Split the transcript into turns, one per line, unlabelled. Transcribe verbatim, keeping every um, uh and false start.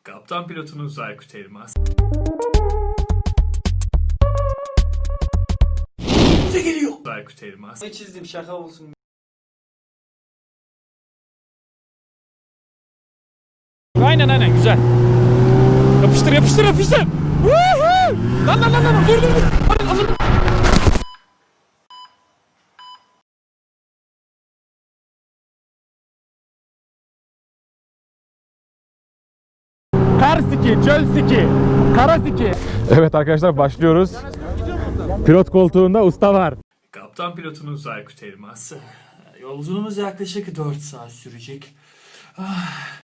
Kaptan pilotunuz Aykut Elmas.
Bize geliyor.
Aykut Elmas.
Ne çizdim şaka olsun.
Aynen aynen güzel. Yapıştır yapıştır yapıştır. Woohoo! Lan lan lan lan dur dur dur. Hadi, alın. Kar siki, çöl siki, kara siki. Evet arkadaşlar başlıyoruz. Pilot koltuğunda usta var.
Kaptan pilotunuz Aykut Elmas.
Yolculuğumuz yaklaşık dört saat sürecek.